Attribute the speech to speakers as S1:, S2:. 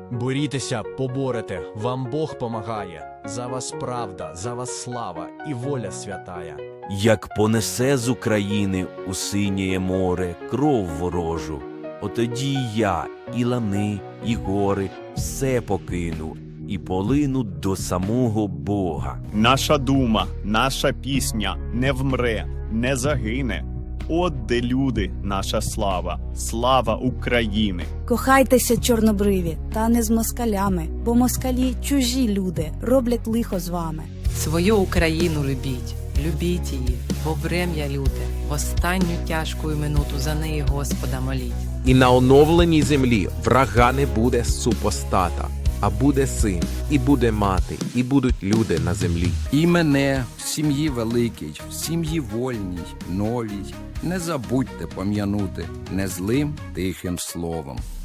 S1: Борітеся, поборете, вам Бог помагає. За вас правда, за вас слава і воля святая.
S2: Як понесе з України у синє море кров ворожу, отоді і я, і лани, і гори все покину, і полину до самого Бога.
S3: Наша дума, наша пісня не вмре, не загине. От де люди, наша слава, слава України.
S4: Кохайтеся, чорнобриві, та не з москалями, бо москалі чужі люди, роблять лихо з вами.
S5: Свою Україну любіть, любіть її, бо врем'я люте, в останню тяжку минуту за неї Господа моліть.
S6: І на оновленій землі врага не буде супостата, а буде син, і буде мати, і будуть люди на землі.
S7: І мене в сім'ї великій, в сім'ї вольній, новій, не забудьте пом'янути незлим тихим словом.